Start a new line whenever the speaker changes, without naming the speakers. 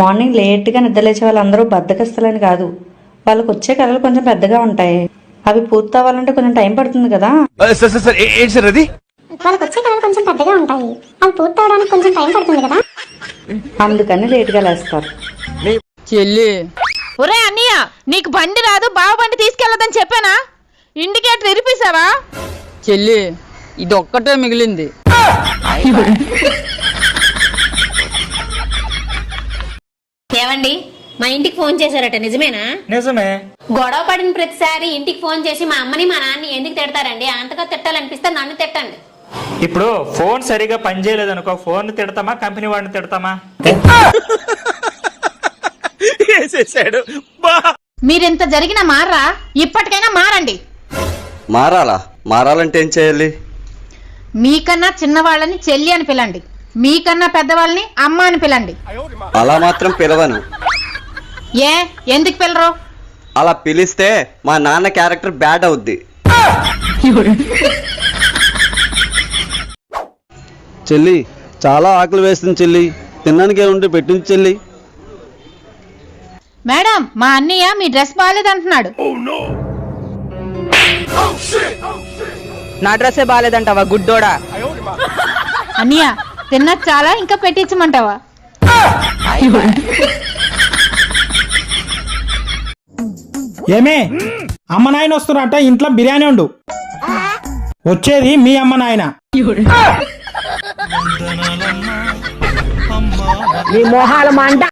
Morning లేట్గా నిద్రలేచే వాళ్ళందరూ బద్దకస్తులని కాదు, వాళ్ళకు వచ్చే కళలు కొంచెం పెద్దగా ఉంటాయి. అవి పూర్తి అవ్వాలంటే కొంచెం టైం పడుతుంది కదా.
వాళ్ళకి వచ్చే కళలు కొంచెం పెద్దగా ఉంటాయి, అవి పూర్తి అవడానికి కొంచెం టైం పడుతుంది కదా,
అందుకని లేట్గా లేస్తారు.
చెల్లి,
ఒరే అన్నయ్య, నీకు బండి రాదు, బావ బండి తీసుకెళ్లదని చెప్పానా? ఇండికేటర్ ఇరిపేశావా?
చెల్లి ఇది ఒక్కటే మిగిలింది.
ఏవండి, మా ఇంటికి ఫోన్ చేశారట, నిజమేనా?
నిజమే.
గొడవ పడిన ప్రతిసారి ఇంటికి ఫోన్ చేసి మా అమ్మని మా నాన్నని ఎందుకు తిడతారండి? అంతగా తిట్టాలనిపిస్తే నన్ను తిట్టండి.
ఇప్పుడు ఫోన్ సరిగా పనిచేయలేదు అనుకో, ఫోన్ తిడతామా కంపెనీ వాడిని తిడతామా?
మీరెంత జరిగినా మారరా? ఇప్పటికైనా మారండి.
మారాలంటే ఏం చేయాలి?
మీకన్నా చిన్నవాళ్ళని చెల్లి అని పిలండి, మీకన్నా పెద్దవాళ్ళని అమ్మ అని పిలండి.
అలా మాత్రం పిలవను.
ఏ ఎందుకు పిలరు?
అలా పిలిస్తే మా నాన్న క్యారెక్టర్ బ్యాడ్ అవుద్ది.
చెల్లి చాలా ఆకలి వేస్తుంది చెల్లి, తినడానికి ఉంటే పెట్టింది చెల్లి.
మేడం, మా అన్నయ్య మీ డ్రెస్ బాగాలేదంటున్నాడు.
నా డ్రెస్సే బాగాలేదంటావా గుడ్డోడా?
అన్నయ్య తిన్నది చాలా, ఇంకా పెట్టించమంటావా?
ఏమే, అమ్మ నాయన వస్తున్నారట, ఇంట్లో బిర్యానీ వండు. వచ్చేది మీ అమ్మ నాయన.
నీ మొహాల మంట.